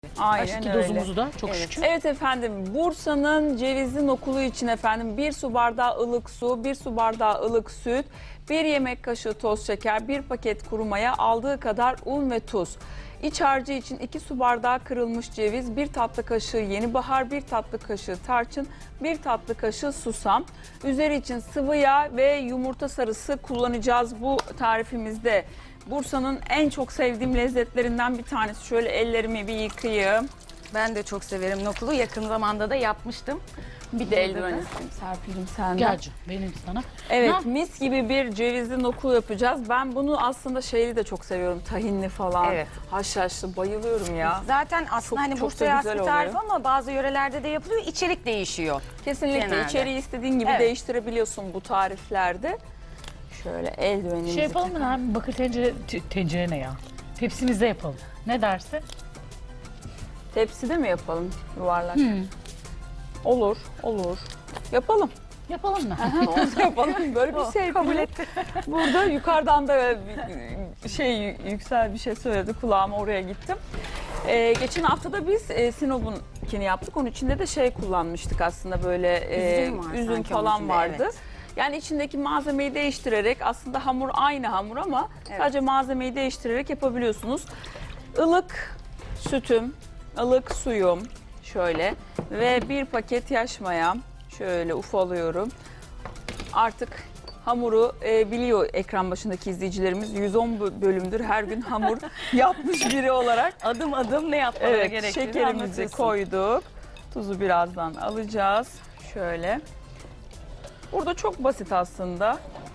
Aynen Aşki öyle. dozumuzu da çok şükür. Evet efendim, Bursa'nın cevizli nokulu için efendim 1 su bardağı ılık su, 1 su bardağı ılık süt, 1 yemek kaşığı toz şeker, 1 paket kuru maya, aldığı kadar un ve tuz. İç harcı için 2 su bardağı kırılmış ceviz, 1 tatlı kaşığı yeni bahar, 1 tatlı kaşığı tarçın, 1 tatlı kaşığı susam. Üzeri için sıvı yağ ve yumurta sarısı kullanacağız bu tarifimizde. Bursa'nın en çok sevdiğim lezzetlerinden bir tanesi. Şöyle ellerimi bir yıkayayım. Ben de çok severim nokulu. Yakın zamanda da yapmıştım. Bir de eldiven isteyeyim Serpil'cim senden. Gel canım, benim sana. Evet, Ha? mis gibi bir cevizli nokul yapacağız. Ben bunu aslında şeyli de çok seviyorum. Tahinli falan. Evet. Haşhaşlı bayılıyorum ya. Zaten aslında Çok- hani çok da Bursa'ya has güzel bir tarif oluyor. ama bazı yörelerde de yapılıyor. İçerik değişiyor. Kesinlikle Genelde. içeriği istediğin gibi Evet. değiştirebiliyorsun bu tariflerde. Şöyle eldivenimizi Şey yapalım mı lan? Bakır tencere ne ya? Tepsimizde yapalım. Ne dersin? Tepside mi yapalım yuvarlak? Olur, olur. Yapalım. Yapalım mı? Onu yapalım. Böyle bir şey kabul etti. Burada yukarıdan da yüksel bir şey söyledi. Kulağıma oraya gittim. Geçen hafta da biz Sinop'unkini yaptık. Onun içinde de şey kullanmıştık aslında böyle Üzüm var üzüm sanki onun falan içinde, vardı. evet. Yani içindeki malzemeyi değiştirerek aslında hamur aynı hamur ama sadece malzemeyi değiştirerek yapabiliyorsunuz. Ilık sütüm, ılık suyum şöyle ve bir paket yaş mayam şöyle ufalıyorum. Artık hamuru biliyor ekran başındaki izleyicilerimiz 110 bölümdür her gün hamur yapmış biri olarak. Adım adım ne yapmaları Evet, gerektiğini şekerimizi anlatıyorsun. koyduk. Tuzu birazdan alacağız. Şöyle. Burada çok basit aslında.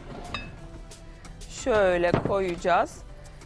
Şöyle koyacağız.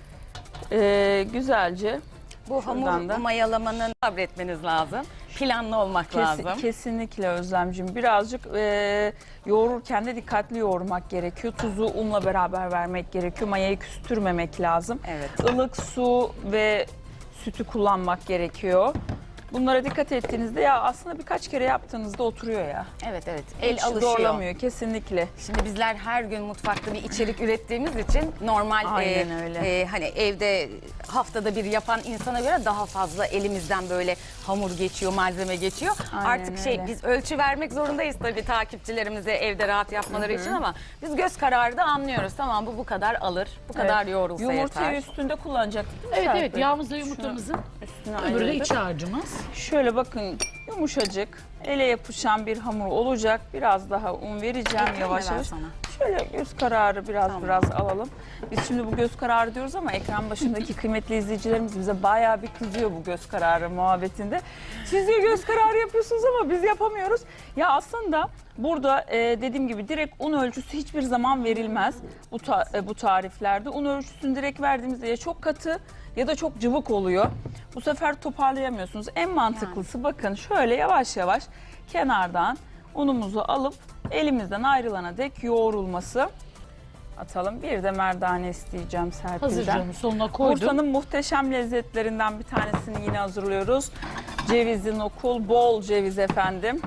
Güzelce. Bu Şuradan hamur da. mayalamanın sabretmeniz lazım. Planlı olmak lazım. Kesinlikle Özlemciğim. Birazcık yoğururken de dikkatli yoğurmak gerekiyor. Tuzu unla beraber vermek gerekiyor. Mayayı küstürmemek lazım. Evet. Ilık su ve sütü kullanmak gerekiyor. Bunlara dikkat ettiğinizde ya aslında birkaç kere yaptığınızda oturuyor ya. Evet evet. El Hiç alışıyor. zorlamıyor kesinlikle. Şimdi bizler her gün mutfakta bir içerik ürettiğimiz için normal Aynen öyle. hani evde haftada bir yapan insana göre daha fazla elimizden böyle hamur geçiyor, malzeme geçiyor. Aynen Artık öyle. biz ölçü vermek zorundayız tabii takipçilerimize evde rahat yapmaları için ama biz göz kararı da anlıyoruz. Tamam bu kadar alır, bu kadar yoğrulsa Yumurtayı yeter. üstünde kullanacaktık değil mi Evet Serpil? evet, yağımızla yumurtamızın Üstüne öbürü de ayırdık. iç harcımız. Şöyle bakın yumuşacık, ele yapışan bir hamur olacak. Biraz daha un vereceğim Getireyim mi yavaş ben yavaş. sana? Şöyle göz kararı biraz alalım. Biz şimdi bu göz kararı diyoruz ama ekran başındaki kıymetli izleyicilerimiz bize bayağı bir kızıyor bu göz kararı muhabbetinde. Siz diyor göz kararı yapıyorsunuz ama biz yapamıyoruz. Ya aslında burada dediğim gibi direkt un ölçüsü hiçbir zaman verilmez bu tariflerde. Un ölçüsünü direkt verdiğimizde ya çok katı ya da çok cıvık oluyor. Bu sefer toparlayamıyorsunuz. En mantıklısı bakın şöyle yavaş yavaş kenardan unumuzu alıp elimizden ayrılana dek yoğrulması. Atalım. Bir de merdane isteyeceğim Serpil'den. Hazır canım, sonuna koydum. Bursa'nın muhteşem lezzetlerinden bir tanesini yine hazırlıyoruz. Cevizli nokul, bol ceviz efendim.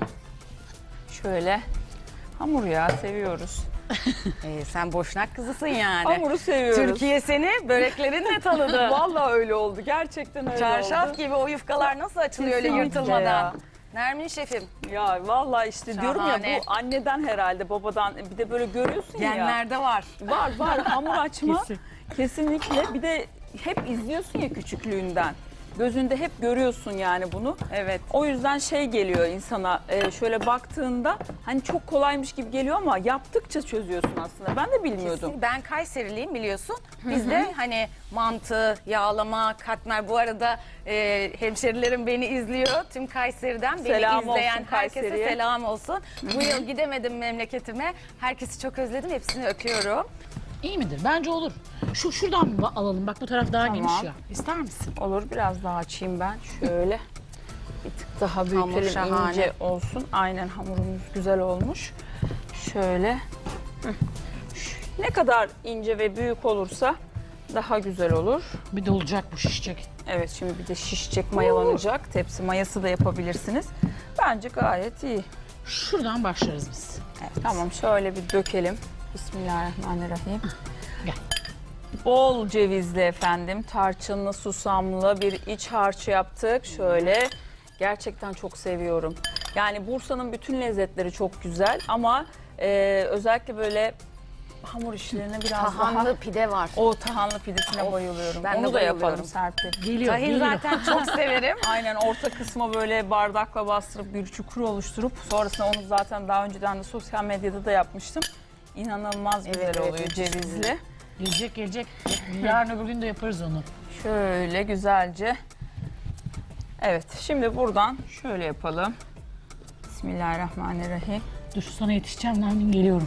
Şöyle hamur ya seviyoruz. Sen Boşnak kızısın yani. Hamuru seviyoruz. Türkiye seni böreklerinle tanıdı. Vallahi öyle oldu. Gerçekten öyle Çarşaf oldu. gibi o yufkalar nasıl açılıyor öyle Kesinlikle yırtılmadan. ya. Nermin şefim, Ya vallahi işte diyorum ya Şahane. bu anneden herhalde babadan bir de böyle görüyorsun ya. genlerde var. Var hamur açma. Kesin. Kesinlikle. Bir de hep izliyorsun ya küçüklüğünden. Gözünde hep görüyorsun yani bunu. Evet. O yüzden şey geliyor insana şöyle baktığında hani çok kolaymış gibi geliyor ama yaptıkça çözüyorsun aslında. Ben de bilmiyordum. Ben Kayseriliyim biliyorsun. Bizde hani mantı, yağlama, katmer. Bu arada hemşerilerim beni izliyor. Tüm Kayseri'den beni Selam izleyen olsun herkese Kayseri'ye. selam olsun. Bu yıl gidemedim memleketime. Herkesi çok özledim. Hepsini öpüyorum. İyi midir? Bence olur. Şuradan mı alalım? Bak bu taraf daha Tamam. geniş ya. İster misin? Olur biraz daha açayım ben. Şöyle bir tık daha Hamur büyütelim şahane. ince olsun. Aynen hamurumuz güzel olmuş. Şöyle. Ne kadar ince ve büyük olursa daha güzel olur. Bir de olacak bu, şişecek. Evet şimdi bir de şişecek, mayalanacak. Tepsi mayası da yapabilirsiniz. Bence gayet iyi. Şuradan başlarız biz. Tamam şöyle bir dökelim. Bismillahirrahmanirrahim. Gel. Bol cevizli efendim, tarçınlı, susamlı bir iç harç yaptık. Şöyle, gerçekten çok seviyorum. Yani Bursa'nın bütün lezzetleri çok güzel ama özellikle böyle hamur işlerine biraz Tahanlı daha... pide var. O tahanlı pidesine bayılıyorum. ben de Onu da bayılıyorum. yapalım Serpil. Geliyor, Tahin geliyor. zaten çok severim. Aynen, orta kısma böyle bardakla bastırıp bir çukur oluşturup sonrasında onu zaten daha önceden de sosyal medyada da yapmıştım. İnanılmaz güzel Evet, oluyor müthiş cevizli. Gelecek, gelecek. Yarın öbür gün de yaparız onu. Şöyle güzelce. Evet, şimdi buradan şöyle yapalım. Bismillahirrahmanirrahim. Dur sana yetişeceğim Nermin, geliyorum.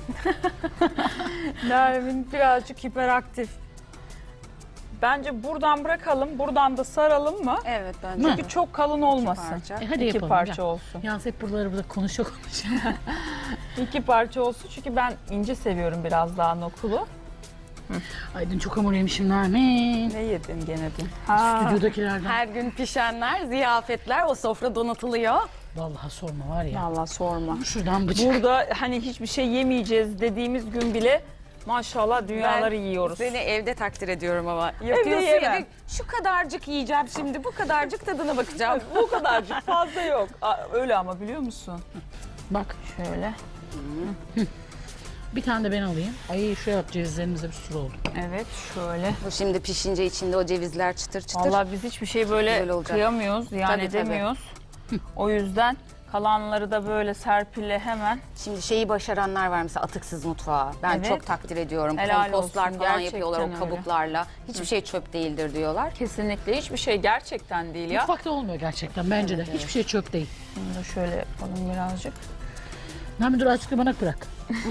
Nermin birazcık hiperaktif. Bence buradan bırakalım, buradan da saralım mı? Evet bence. Çünkü çok kalın olmasın. parça. Hadi İki yapalım. parça gel. olsun. Yalnız hep burada konuşuyor. İki parça olsun çünkü ben ince seviyorum biraz daha nokulu. Ay dün çok hamur yemişim Nermin. Ne yedin gene dün? Stüdyodakilerden. Her gün pişenler, ziyafetler, o sofra donatılıyor. Vallahi sorma var ya. Vallahi sorma. Şuradan bıçak. Burada hani hiçbir şey yemeyeceğiz dediğimiz gün bile maşallah dünyaları yiyoruz. Seni evde takdir ediyorum ama. Yapıyorsun ya, yemem. şu kadarcık yiyeceğim şimdi, bu kadarcık tadına bakacağım. Bu kadarcık fazla yok. Öyle ama biliyor musun? Bak Şöyle. bir tane de ben alayım. Ay şuraya at, cevizlerimize bir sürü oldu. Evet şöyle. Bu şimdi pişince içinde o cevizler çıtır çıtır. Vallahi biz hiçbir şey böyle Güzel olacak. kıyamıyoruz, yani Tabii, tabii. edemiyoruz. O yüzden kalanları da böyle Serpil'le hemen Şimdi şeyi başaranlar var mesela, atıksız mutfağı. Ben Evet. çok takdir ediyorum. Helal Kompostlar olsun, falan gerçekten yapıyorlar o öyle. kabuklarla. Hiçbir şey çöp değildir diyorlar. kesinlikle hiçbir şey gerçekten değil ya. Mutfakta olmuyor gerçekten bence de. Hiçbir şey çöp değil. Bunu da şöyle yapalım birazcık. Nermin dur azıcık da bana bırak.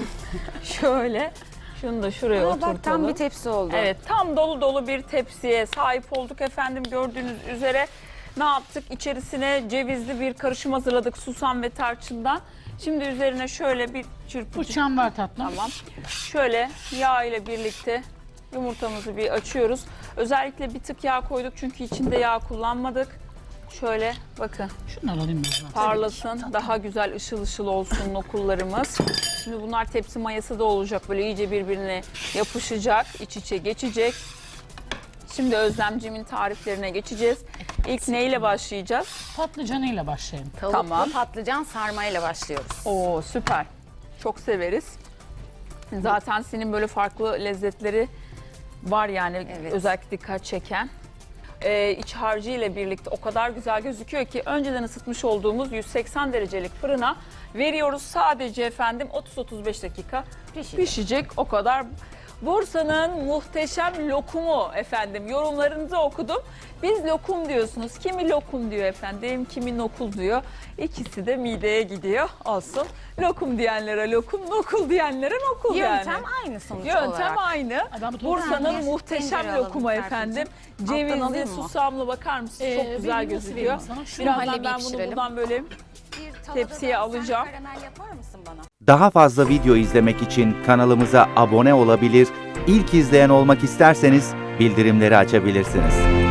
Şöyle. Şunu da şuraya Aa, oturtalım. bak tam bir tepsi oldu. Evet, tam dolu dolu bir tepsiye sahip olduk efendim. Gördüğünüz üzere ne yaptık? İçerisine cevizli bir karışım hazırladık susam ve tarçından. Şimdi üzerine şöyle bir çırpıcı. Bıçağım var tatlım. Tamam. Şöyle yağ ile birlikte yumurtamızı bir açıyoruz. Özellikle bir tık yağ koyduk çünkü içinde yağ kullanmadık. Şöyle bakın, Şunları alayım ben. parlasın, daha güzel ışıl ışıl olsun nokullarımız. Şimdi bunlar tepsi mayası da olacak, böyle iyice birbirine yapışacak, iç içe geçecek. Şimdi Özlemcimin tariflerine geçeceğiz. İlk neyle başlayacağız? Patlıcanıyla başlayalım. Tavuklu Tamam. patlıcan sarmayla başlıyoruz. Oo süper. Çok severiz. Zaten senin böyle farklı lezzetleri var yani, Evet. özellikle dikkat çeken. İç harcı ile birlikte o kadar güzel gözüküyor ki önceden ısıtmış olduğumuz 180 derecelik fırına veriyoruz. Sadece efendim 30-35 dakika pişecek, o kadar. Bursa'nın muhteşem lokumu efendim, yorumlarınızı okudum. Biz lokum diyorsunuz. Kimi lokum diyor efendim, kimi nokul diyor. İkisi de mideye gidiyor. Olsun. Lokum diyenlere lokum, nokul diyenlere nokul yani. Yöntem aynı sonuç olarak. Yöntem aynı. ben bu Bursa'nın tencere muhteşem alalım lokumu Serpil'cim. efendim. Alttan Cevizli, alayım mı? susamlı, bakar mısın? Çok güzel Benim nasıl gözüküyor. vereyim sana? Şunu Birazdan hallebiyi ben bunu pişirelim. buradan böyle Bir tavada tepsiye da sen alacağım. karamel yapar mısın bana? Daha fazla video izlemek için kanalımıza abone olabilir, ilk izleyen olmak isterseniz bildirimleri açabilirsiniz.